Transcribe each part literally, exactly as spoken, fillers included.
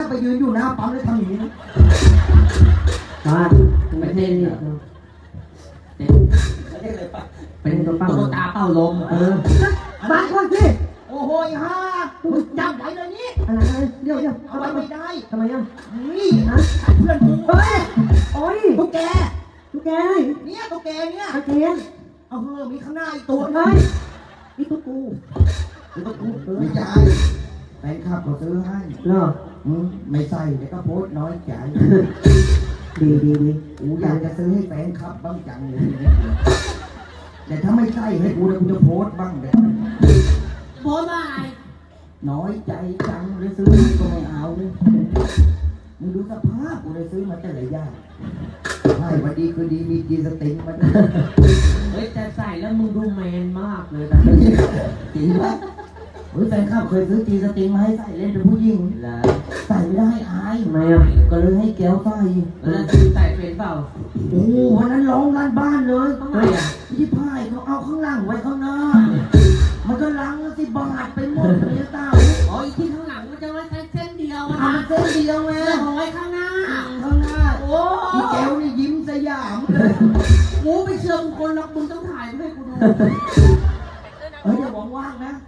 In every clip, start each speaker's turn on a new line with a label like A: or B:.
A: ไปยืนอยู่หน้าปั๊มแล้วทำอย่างนี้นะ
B: บ้านไม่ใช่เนี่ยเป็นตัวเป้าตัวตาเป้าลมเออบ้านคนสิ
A: โอ้โหฮ่าจับไว้เลยนี่
B: อะไรเดี๋ยวเดี๋ยว
A: เอาไว้ไม่ได้
B: ทำไมอ่ะ
A: นี่นะเพื่อนกู
B: เฮ้ยโอ้ย
A: ตุ๊กแก
B: ตุ๊กแก
A: เนี่ยตุ๊กแกเนี่ย
B: ตะเกียง
A: เอาเฮ้อมีข้างหน้าอีกตัว
B: เฮ้ยนี่ตุ๊กกู
A: ตุ๊กกูไม่ใช่แฟนคลับเขาซื้อให้
B: เหรอ
A: ไม่ใส่แต่ก็โพสน้อยใจ
B: ดีดีดี
A: กูอยากจะซื้อให้แฟนคลับบ้างจังเลยแต่ถ้าไม่ใส่ให้กูเลยกูจะโพสบ้างเลย
C: โพสอะไร
A: น้อยใจจังเลยซื้อก็ไม่เอามึงดูสภาพกูเลยซื้อมาแต่ละอย่างใช่วันดีคือดีมีจีสติงมาด้วย
C: เฮ้ยแต่ใส่แล้วมึงดูแมนมากเลยนะ
A: จริงปะเฮ้ยแฟนคลับเคยซื้อจีสติงมาให้ใส่เล่นเป็นผู้หญิง
C: แล้ว
A: ใส่ไม่ได้อาย
B: ทำไมอ่ะ
A: ก็เลยให้แก้วใส่
C: แล้วใส่เป็นเปล่า
A: โอ้วันนั้นร้องลั่นบ้านเลย
C: ทำไมอ่ะ
A: ที่พายเขาเอาข้างหลังไว้ข้างหน้ามันก็ล้างสิบาทไปหมดเลยเต้า
C: อ๋ออีกที่ข้างหลังมันจะไว้แค่เส้นเดียวนะ
A: เส้นเดียวไง
C: เอาไว้ข้างหน้า
A: ข้างหน้าโอ้อีแก้วนี่ยิ้มสยามเลย
C: กูไปเชื่อมคนรักมึงต้องถ่ายให้กูดู
A: เฮ้ยอย่าว่างๆนะ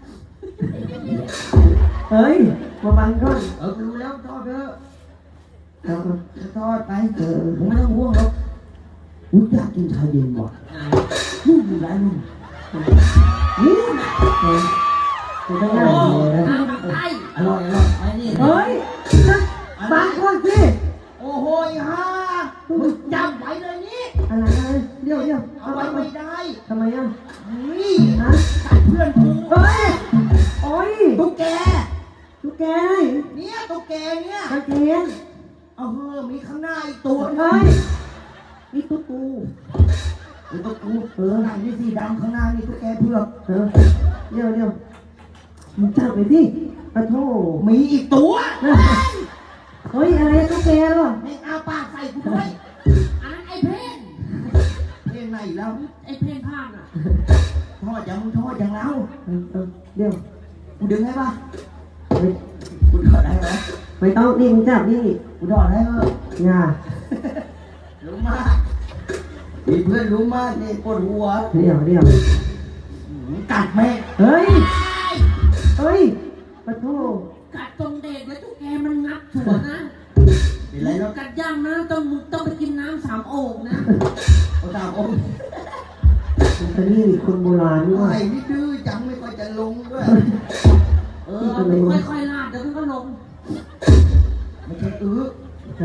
B: เฮ้ยมาบังก่อน
A: เออรู้แล้วทอดเถอะทอดไปเออผมไม่ต้องห่วงหรอกอุ้ยอยากกินชาเย็นว่ะนู่นอยู่ร้านนู่นนู่น
B: คุณต้องได้เลยนะ
A: อร่อยอร่อยไปนี่
B: เฮ้ยบังก่อนสิ
A: โอ้โหฮ่าจับไว้เลยนี่
B: อะไรเดี๋ยวเดี๋ยว
A: เอาไว้ไม่ได้
B: ทำไมอ่ะ
A: นี่นะเพื่อนกู
B: เฮ้ยโอ้ย
A: ตุ๊กแก
B: ตุ๊กแก
A: เนี่ยตุ๊กแกเนี่ย
B: ตะเกียง
A: เอาเฮ้อมีข้างหน้าอีกตัว
B: เฮ้ยนี่ตุ๊กกู
A: นี่ตุ๊กกูเออหนังนี่สีดำข้างหน้านี่ตุ๊กแกเผือก
B: เออเดี๋ยวเดี๋ยวมึงจับไปสิปะโถ
A: มีอีกตัว
B: เฮ้ยอะไรตุ๊กแกหรอ
A: ไม่เอาปากใส่กูด้วย
C: อันนั้นไอ้เพน
A: เพนไหนแล้ว
C: ไอ้เพนพลาดอ่ะ
A: ทอดอย่างมึงทอดอย่างเรา
B: เดี๋ยว
A: กูดึงให้ป่ะกูถอดได้ไหม
B: ไม่ต้องนี่มึงจับนี่
A: กูถอดให้เออ
B: อย่า
A: รู้มากมีเพื่อนรู้มากนี่ปวดหัว
B: เดี๋ยวเดี๋ยว
A: กัดแม่
B: เฮ้ยเฮ้ยปะโถ
C: กัดตรงเด็กแล้วทุกแกมันงับถั่วนะ
A: เป็นไรแล้ว
C: กัดย่างนะต้องต้องไปกินน้ำสามโอ่งนะ
A: เอาสามโอ่ง
B: มันนี่คนโบราณนี่ว่า
A: ไอ้นี่ดื้อจังไม่ค่อยจะลงด้วย
C: เออค่อยๆลาดเดี๋ยวมันก็ลง
A: ไม่ใช่อื้อ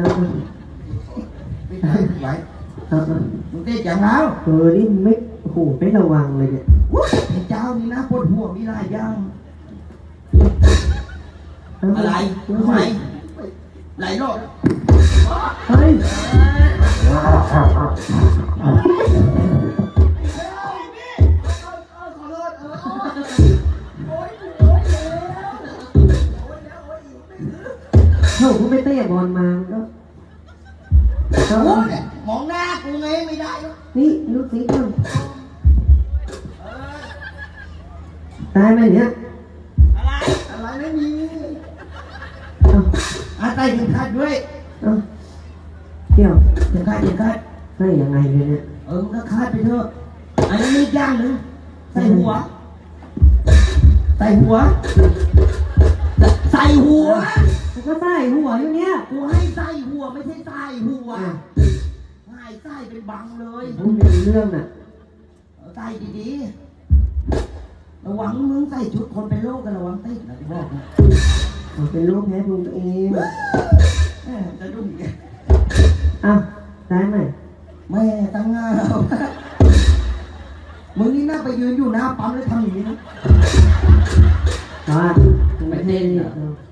A: ไม่ใช่ไหวมึงเต้นจังแล้ว
B: เออนี่ไม่โอ้โหไม่ระวังเลยเนี่ย
A: เจ้านี่นะปวดหัวมีลายย่างอะไรไหลไหลโลด
B: เฮ้ยเขาก็ไม่เตะบอลมาก็
A: มองหน้ากูไงไม่ได้
B: นี่ลูกสีก่อนตายไหมเนี่ย
A: อะไรอะไรไม่มีอาใส่ถึงคาดด้วย
B: เดี๋ยว
A: ถึงคาดถึงคาด
B: ใส่ยังไงเนี่ย
A: เออมันก็คาดไปเถอะอันนี้มีย่างหรือใส่หัวใส่หัวใส่หัว
B: กูก็ใส่หัวอยู่เนี่ย
A: กูให้ใส่หัวไม่ใช่ใส่หัวให้ใส่เป็นบังเลย
B: มึงเป็นเรื่องน่ะ
A: ใส่ดีๆระวังมึงใส่ชุดคนเป็นโรคกันระวังติดนะที่บอกนะ
B: เป็นโรคแพ้ภูมิตัวเอง
A: จะดุ้งแก
B: อ้าวได้ไหม
A: แม่ตั้งงานมึงนี่น่าไปยืนอยู่หน้าปั๊มแล้วทำอย่างนี้นะ
B: บ้านไม่ใช่เนี่ย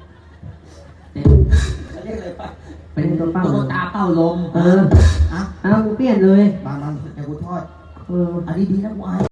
C: เป็นตัวเป้าตัวตาเป้าลม
B: เอออ่ะเอาเปลี่ยนเลย
A: บางบางแต่กูทอด
B: เออ
A: อันนี้ดีนะกูอาย